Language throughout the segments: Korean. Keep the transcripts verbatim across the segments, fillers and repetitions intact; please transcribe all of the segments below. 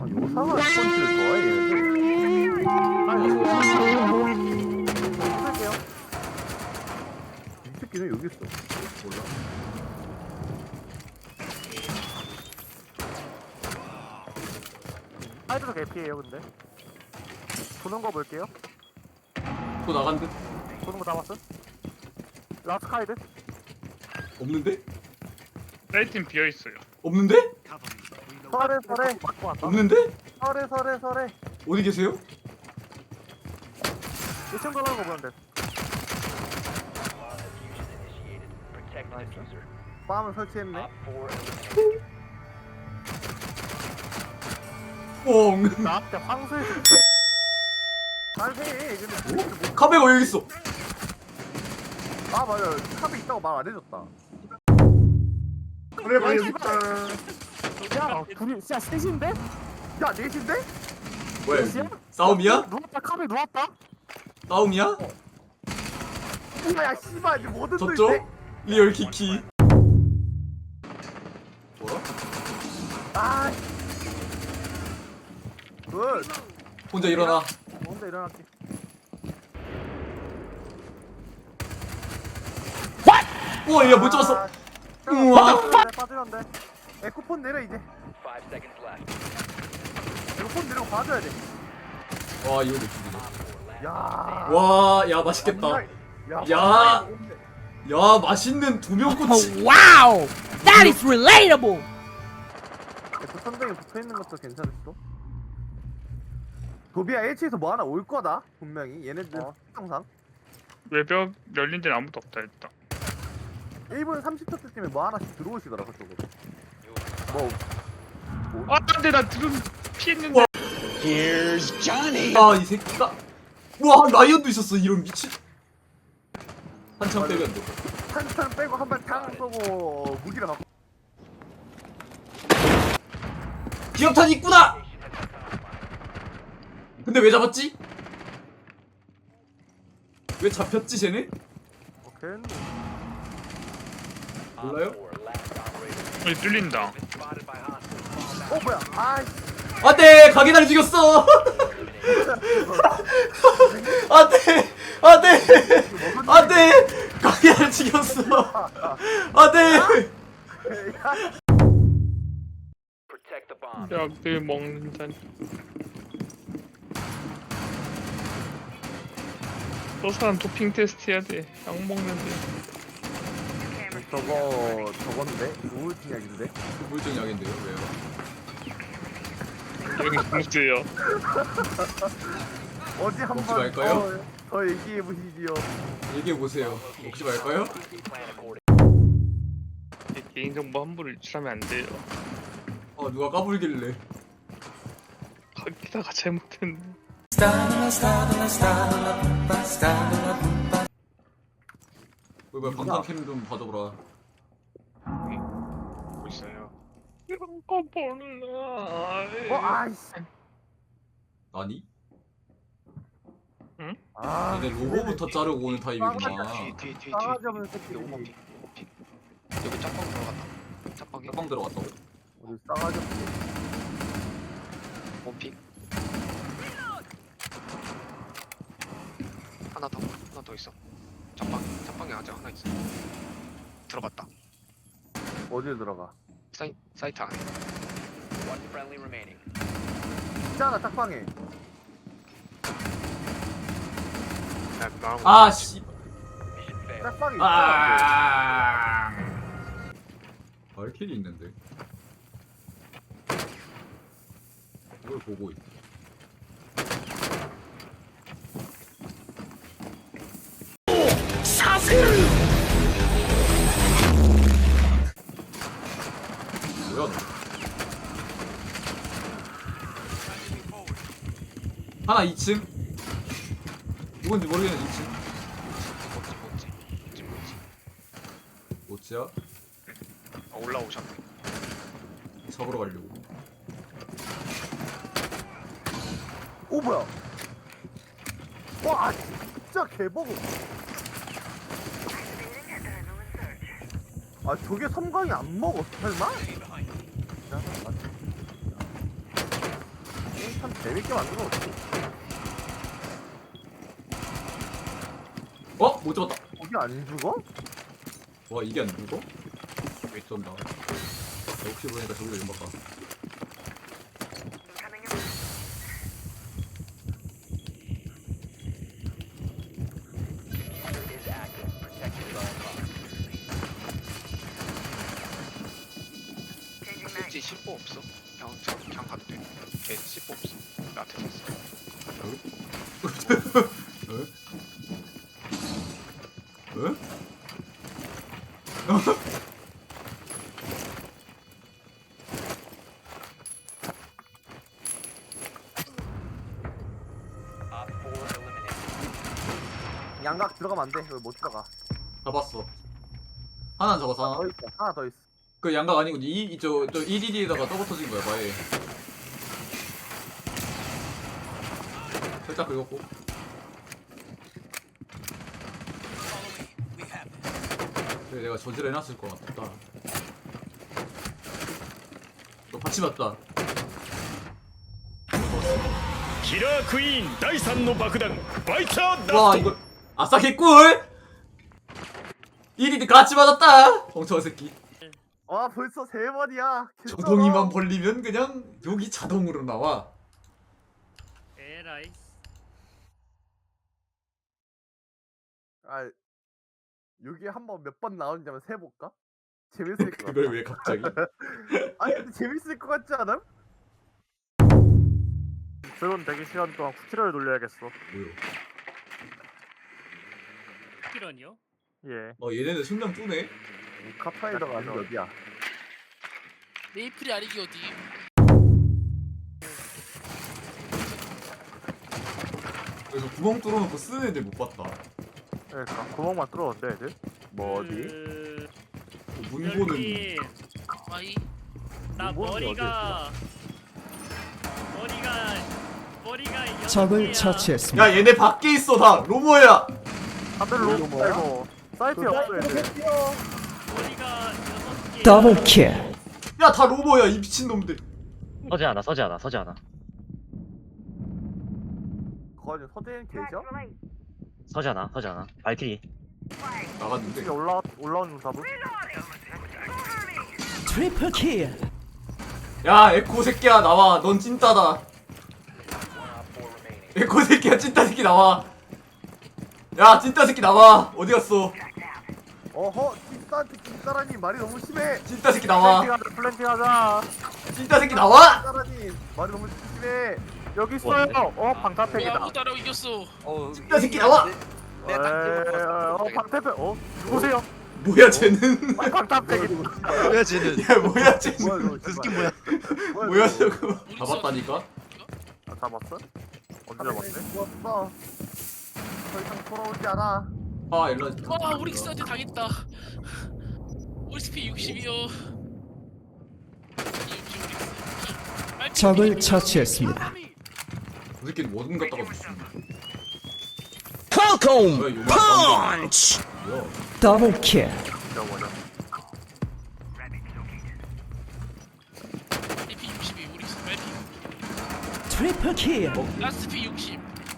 요상한 펀치를 좋아해 얘네들. 아니 쓸게요. 이 새끼는 여기 있어. 몰라. 하이드도 개피해요 근데. 도는 거 볼게요. 또 나간 듯? 도는 거 잡았어? 라스트 카이드? 없는데? 사이트는 비어있어요. 없는데? 설에 설에 맞고 왔다. 없는데? 설에 설에 설에 어디 계세요? 이 친구 가는 거 보는데. 빰을 설치했네. 뻥. 나한테 황소에서 잘해. 근데 뭐- 카베가 여기 있어. 아 맞아. 탑에 있다고 말 안 해줬다. 그래 봐, 여기 있다. 야 둘이 진짜 셋인데? 야 넷인데? 뭐야 여기? 넷이야? 싸움이야? 누웠다 카메 누웠다? 싸움이야? 야 씨발 이제 뭐든 또 졌죠? 있네. 리얼 키키. 뭐야? 아 굿. 혼자 일어나. 뭔데 일어났지? 우와 얘 못 잡았어. 아, 우와. 빠지면 돼. 에코폰 내려 이제. 에코폰 내려 봐줘야 돼. 와 이거 내 죽이네. 야. 와, 야 맛있겠다. 야. 야. 야 맛있는 두 명 꼬치. Wow, that is relatable. 에코 선생이 붙어 있는 것도 괜찮을 수도. 도비야 H에서 뭐 하나 올 거다 분명히 얘네들 항상 외벽 열린 데는 아무도 없다 일단. 일 분 삼십 초 때쯤에 뭐 하나씩 들어오시더라 그쪽으로. 뭐 아 근데 나 드론 피했는데. 아 이 새끼가. 우와 라이언도 있었어 이런 미친. 한참 빼면 돼. 탄탄 빼고 한 발 탕 쏘고 무기를 갖고. 기억탄 있구나. 근데 왜 잡았지? 왜 잡혔지 쟤네? 오케이. 몰라요? 여기 뚫린다. 어 뭐야? 아이. 안돼 가게다리 죽였어. 안돼 안돼 안돼 가게다리 죽였어. 안돼. 약들 먹는다니. 저 사람 도핑 테스트 해야 돼. 약 먹는데. 저거 저건데 우울증 약인데. 우울증 약인데요 왜요? 여기 공수예요. 어디 먹지 한번 말까요? 더, 더 얘기해 보시지요. 얘기해 보세요. 먹지 말까요? 개인정보 함부로 유출하면 안 돼요. 어 누가 까불길래? 거기다가 잘못했네. 왜 뭐야 방탄캠 좀 봐줘보라. 보고 있어요. 이런 거 보는 어 아이씨. 아니? 아. 얘네 로고부터 자르고 오는 타입이구나. 뒤에 뒤에 뒤에 싸가지 없는 새끼. 오버픽 오버픽 여기 짝방 들어갔다 짝방에 짝방 들어갔다고? 우리 싸가지 없는. 오버픽 하나 더 하나 더 있어 짝방 짝방에 아직 하나 있어 들어갔다 어디에 들어가? 사이, 사이트 안에 있잖아 짝방에. 나, 나랑 아 씨. 짝방에 있잖아. 아. 발킬이 있는데. 이걸 보고 있. 뭐야? 너? 하나 이 층. 누군지 모르겠는 이 층. 뭔지 뭔지 뭔지 뭔지 뭐지야? 아, 올라오셨네 잡으러 가려고. 오 뭐야? 와 진짜 개버그. 아 저게 섬광이 안 먹어 설마? 참 재밌게 만들어. 어? 못 잡았다. 거기 안 죽어? 와 이게 안 죽어? 왜 쏜다. 혹시 보니까 저기도 좀 바꿔. 왠지 십보 없어. 그냥 저 그냥 가도 돼. 걔 십보 없어. 나한테 줬어. 응? 응? 양각 들어가면 안 돼. 여기 못 들어가. 잡았어. 하나 잡았어. 더 하나. 있어. 하나 더 있어. 그 양각 아니고 이저저 이디디에다가 떠 붙어진 거야. 바에. 살짝 긁었고. 그래 내가 저지를 해놨을 것 같다. 너 받치 맞다. キラークイーンだいさんの爆弾バイターダ 와 スト 이거 아싸 개꿀. 이디디 같이 맞았다. 멍청한 새끼. 와 벌써 세 번이야. 개쩔어. 정통이만 벌리면 그냥 여기 자동으로 나와. えらい 아 여기 한번 몇 번 나오는지 한번 세볼까? 재밌을 것 같아. 그걸 왜 갑자기? 아니 근데 재밌을 것 같지 않아? 드론 대기 시간 동안 쿠키를 돌려야겠어. 뭐요? キラニョ 예. 어 얘네들 승량 쪼네. 카파이더가 아닌 게 어디야? 메이플이 아니기 어디. 그래서 구멍 뚫어놓고 쓰는 애들 못 봤다. 그러니까 구멍만 뚫었는데 애들? 뭐 어디? うー 문고는 ルキン 아이. 나 문고는 머리가 머리가 머리가 여섯 적을 개야. 처치했습니다. 야 얘네 밖에 있어 다 로모야. 다들 뭐, 로고 말고 사이트에 없어 애들. 머리가 여섯 개. 더블 킬. 야 다 로모야 이 미친 놈들. 서지 않아, 서지 않아, 서지 않아, 거기 서재인 계셔? 서지 않아, 서지 않아. 발키리. 나갔는데. 이게 올라 올라오는 답은? 트리플 킬. 야 에코 새끼야 나와. 넌 찐따다. 에코 새끼야 찐따 새끼 나와. 야 찐따 새끼 나와. 어디 갔어? 어허 찐따한테 찐따라니 말이 너무 심해. 찐따 새끼 나와. 플랜팅하자 플랜팅하자. 찐따 새끼 나와. 찐따라니 말이 너무 심해. 여기 있어요. 어 방탄팩이다. 아무도 안 하고 이겼어. 찐따 새끼 나와. 에이, 어 방탄팩. 어 누구세요? 뭐야 쟤는? 아, 방탄팩이. 뭐야 쟤는? 야 뭐야 쟤는? 뭐야 저 그 스킨 뭐야? 뭐야 저거? 잡았다니까? 아 잡았어? 언제 잡았네? 죽었어. 더 이상 돌아오지 않아. 아 일로 와. 와 우리 스한테 당했다. 우리 스피 육십이요. 적을 처치했습니다. 그 새끼는 뭐든 갖다가 줬어. 콩콩 뭐야 요만 펀치. 뭐야? 더블 킬. 저거는. 피 육십이 우리 스 말피. 트리플 킬. 라스트 피 육십.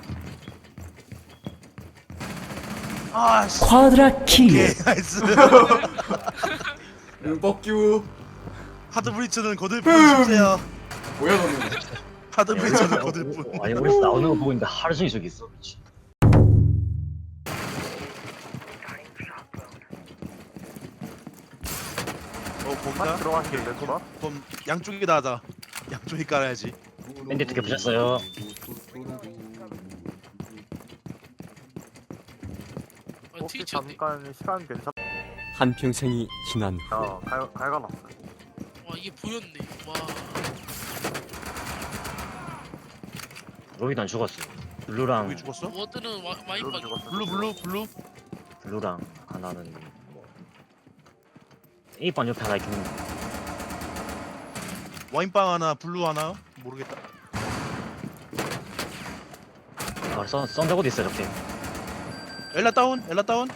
아 씨. 쿼드라 킬. 나이스. 응 뻑큐. 하드 브리처는 거들뿐 주세요. 뭐야 너는? 하드 브리처는 거들뿐. 아니, 우리 나오는 거 보고 있는데 하루 종일 저기 있어. 미친. 어 딱 뭔가? 들어갔길래 봐. 그럼 양쪽이다 하자. 양쪽이 깔아야지. 밴드 두개 부셨어요. 아, 혹시 트위치였네. 잠깐 시간 괜찮? 한평생이 지난 후 야 갈, 갈가놨어. 와 이게 보였네. 와. 로이도 안 죽었어. 블루랑 여기 죽었어? 워드는 와, 와인 로 박. 죽었어. 블루 블루 블루. 블루랑 하나는 뭐 A반 옆에 하나 있긴 한데. 와인빵 하나 블루 하나 모르겠다. 아, 썬 썬더고도 있어 저렇게. 엘라 다운 엘라 다운.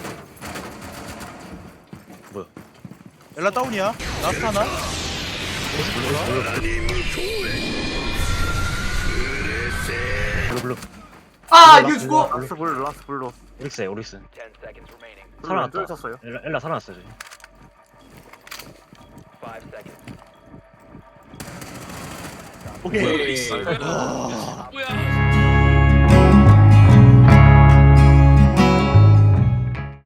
뭐야? 엘라 다운이야. 라스트 하나. 블루 블루. 아 이거 죽어. 라스 블루 라스 블루. 오릭스에 오릭스. 블루 살아났다. 왼쪽에 쳤어요. 엘라, 엘라 살아났어 지금. 오케이. 뭐야. 뭐야?